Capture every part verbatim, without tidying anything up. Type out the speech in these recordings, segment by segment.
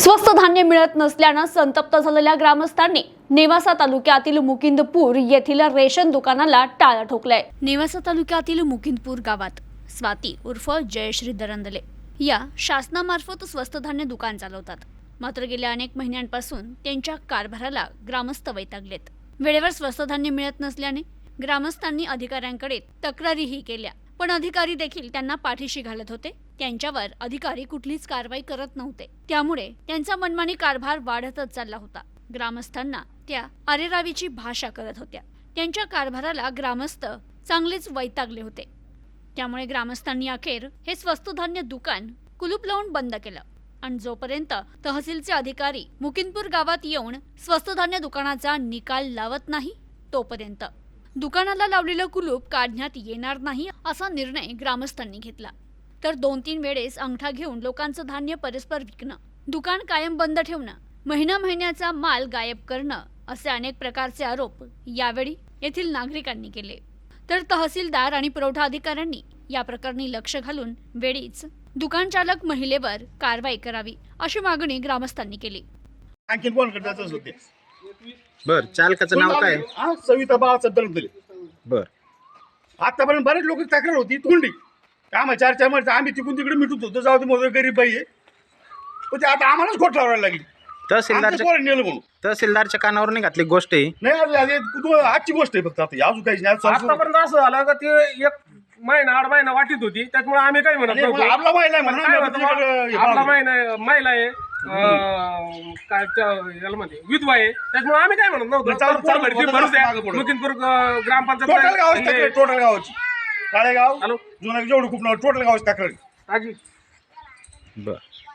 स्वस्त धान्य मिळत नसल्यानं संतप्त झालेल्या ग्रामस्थांनी नेवासा तालुक्यातील मुकिंदपूर येथील रेशन दुकानाला टाळं ठोकलंय। नेवासा तालुक्यातील मुकिंदपूर गावात स्वाती उर्फ जयश्री दरंदले या शासनामार्फत स्वस्त धान्य दुकान चालवतात। मात्र गेल्या अनेक महिन्यांपासून त्यांच्या कारभाराला ग्रामस्थ वैतागलेत। वेळेवर स्वस्त धान्य मिळत नसल्याने ग्रामस्थांनी अधिकाऱ्यांकडे तक्रारीही केल्या, पण अधिकारी देखील त्यांना पाठीशी घालत होते। त्यांच्यावर अधिकारी कुठलीच कारवाई करत नव्हते, त्यामुळे त्यांचा मनमानी कारभार वाढतच चालला होता। ग्रामस्थांना त्या अरेरावीची भाषा करत होत्या। त्यांच्या कारभाराला ग्रामस्थ चांगलेच वैतागले होते। त्यामुळे ग्रामस्थांनी अखेर हे स्वस्त धान्य दुकान कुलूप लावून बंद केलं आणि जोपर्यंत तहसीलचे अधिकारी मुकिंदपूर गावात येऊन स्वस्त धान्य दुकानाचा निकाल लावत नाही तोपर्यंत दुकानाला लावलेलं कुलूप काढण्यात येणार नाही असा निर्णय ग्रामस्थांनी घेतला। तर दोन तीन वेळेस अंगठा घेऊन लोकांचं धान्य परस्पर विकणं, दुकान कायम बंद ठेवणं, महिना महिन्याचा माल गायब करणं असे अनेक प्रकारचे आरोप यावेळी येथील नागरिकांनी केले। तर तहसीलदार आणि पुरवठा अधिकाऱ्यांनी या प्रकरणी लक्ष घालून वेळीच दुकान चालक महिलेवर कारवाई करावी अशी मागणी ग्रामस्थांनी केली। आणखी कोण करताच होते? बर, चालकाचं नाव काय? हा, सविता बाळासाहेब दरंदले। बर, आतापर्यंत बरेच लोक तक्रार होती तोंडी, आम्हाला चार चार महिने आम्ही तिकून तिकडे मिटून होतो, जाऊ दे मोदर गरीब बाई आहे, पण ते आता आम्हालाच खोट लावायला लागली। तहसीलदारच्या नेलं म्हणून तहसीलदारच्या कानावर नाही घातली गोष्ट ही नाही आली, तू आजची गोष्ट आहे फक्त, आता अजून काही नाही। आतापर्यंत असं झालं का ते एक महिना आठ महिना वाटीत होती, त्याच्यामुळे आम्ही काय म्हणत नव्हतो। आपला महिला पण काय होतं बा, आपला महिना महिला आहे अं, काय त्या याला म्हणते विधवा आहे, त्याच्यामुळे आम्ही काय म्हणत नव्हतो। चालू- चालू भरती होतं, भरूच द्या। मागं पुढं. मुकिंदपूर अं, ग्रामपंचायत टोटल गावाची तक्रार, टोटल गावाची काळेगाव हॅलो जुना जेवढं खूप नाव टोटल गावाची तक्रार। आजी बर,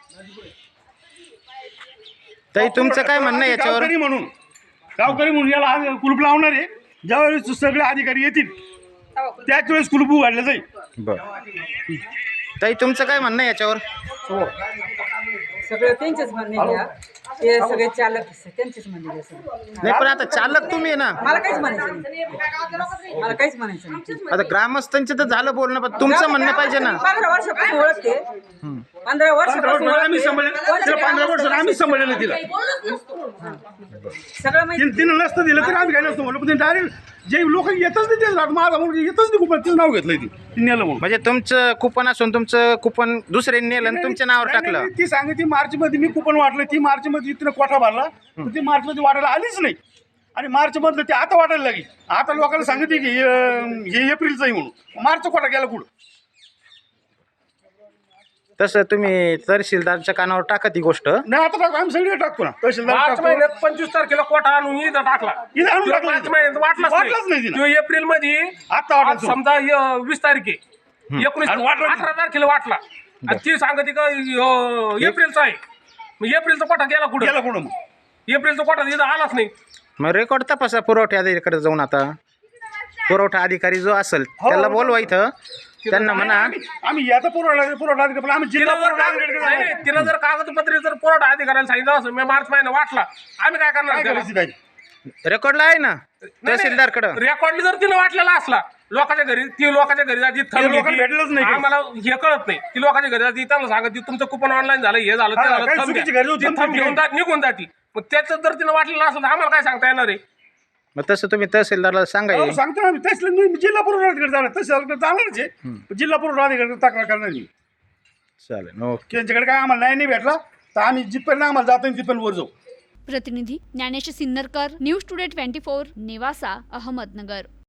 ताई तुमचं काय म्हणणं आहे याच्यावर? गावकरी म्हणून गावकरी म्हणून याला आज कुलूप लावणार आहे। ज्यावेळेस सगळे अधिकारी येतील त्याच वेळेस कुलूप उघडलं जाईल। बर, ताई तुमचं काय म्हणणं आहे याच्यावर? सगळं त्यांचेच म्हणणे घ्या, ते सगळे चालक त्यांचेच म्हणणे घ्या सगळे। नाही, पण आता चालक तुम्ही आहे ना, मला काहीच म्हणायचं नाही, मला काहीच म्हणायचं नाही। आता ग्रामस्थांचं तर झालं बोलणं, पण तुमचं म्हणणं पाहिजे ना। पंधरा वर्षापासून ओळखते, पंधरा पंधरा वर्षापासून वर्ष आम्ही ओळखते. सांभाळलं, तिला पंधरा वर्ष आम्ही सांभाळलेलं तिला। सगळं माहिती तिने तिनं नसतं दिलं तरी आम्ही काय नसतं म्हणलं, पण डायरेक्ट जे लोक येतच नाही तेच राहत, माझा मुलगा येतच नाही कुपन तिचं नाव घेतलंय ती ती नेलं म्हणून। म्हणजे तुमचं कुपन असून तुमचं कुपन दुसऱ्यांनी नेलं आणि तुमच्या नावावर नाही, टाकलं। नाही, ती सांगे ती मार्च मध्ये मी कुपन वाटलं, ती मार्च मध्ये तिनं कोठा भरला, पण ती मार्च मध्ये वाटायला आलीच नाही आणि मार्च मधलं ते आता वाटायला लागली। आता लोकांना सांगितले की हे हे एप्रिलचं आहे म्हणून, मार्च कोठा गेला कुठं? तसं तुम्ही तहसीलदारच्या कानावर टाका ती गोष्ट। नाही आता टाकू, आम्ही सगळे टाकतो ना, तहसीलदार मार्च टाकतो। महिन्यात पंचवीस तारखेला कोटा आणून इथं टाकला, इथं आणून टाकला मार्च इथं. महिन्यात वाटलाच वाटलाच नाही नाही। तिनं। तो एप्रिल मध्ये आता वाटला आज तो. समजा य- वीस तारीख आहे, एकोणीस आणि वाटला अठरा तारखेला वाटला आणि ती सांगते का य- एप्रिलचा आहे, मग एप्रिलचा कोटा गेला कुठे? गेला कुठं मग? एप्रिलचा कोटा इथं आलाच नाही। मग रेकॉर्ड तपासा पुरवठा अधिकाऱ्याकडे जाऊन। आता पुरवठा अधिकारी जो असेल त्याला बोलवा इथं, त्यांना म्हणा आम्ही आम्ही याचा पुरवठा पुरवठा अधिकारी, आम्ही जिल्हा तिनं जर पुरवठा कागद- अधिकाऱ्याकडे नाही, जाणार. नाही, तिनं जर कागदपत्रे जर पुरवठा अधिकाऱ्याला सांगितलं असं मी मार्च महिना वाटला, आम्ही काय करणार काय त्याला? करायची त्याची? रेकॉर्डला आहे ना तहसीलदारकडं। रेकॉर्ड जर तिनं वाटलेला असला लोकांच्या घरी, ती लोकांच्या घरी जाती ते लोकांना भेटलंच नाही काही. आम्हाला हे कळत नाही, ती लोकांच्या घरी जाती, त्यांना सांगत तुमचं कुपन ऑनलाईन झालं, हे झालं, ते हा, झालं, काही थंब चुकीची द्या. घरी होती, ती थंब ती घेऊन जात निघून जाती। मग त्याचं जर तिनं वाटलेलं असलं तर आम्हाला काय सांगता येणार आहे? मग तसं तुम्ही तहसीलदारला सांगा हो, हे. सांगतो ना आम्ही, तहसील मी जिल्हा पुरवठा अधिकारी जाणार, तहसीलदार जाणारच आहे, जिल्हा पुरवठा अधिकारी तक्रार करणार मी। चालेल, ओके। त्यांच्याकडे काय आम्हाला न्याय नाही भेटला तर आम्ही जिथपर्यंत आम्हाला जातो तिथपर्यंत वर जाऊ। प्रतिनिधी Dnyanesh Sinnarkar, news today twenty four, Newasa, Ahmednagar.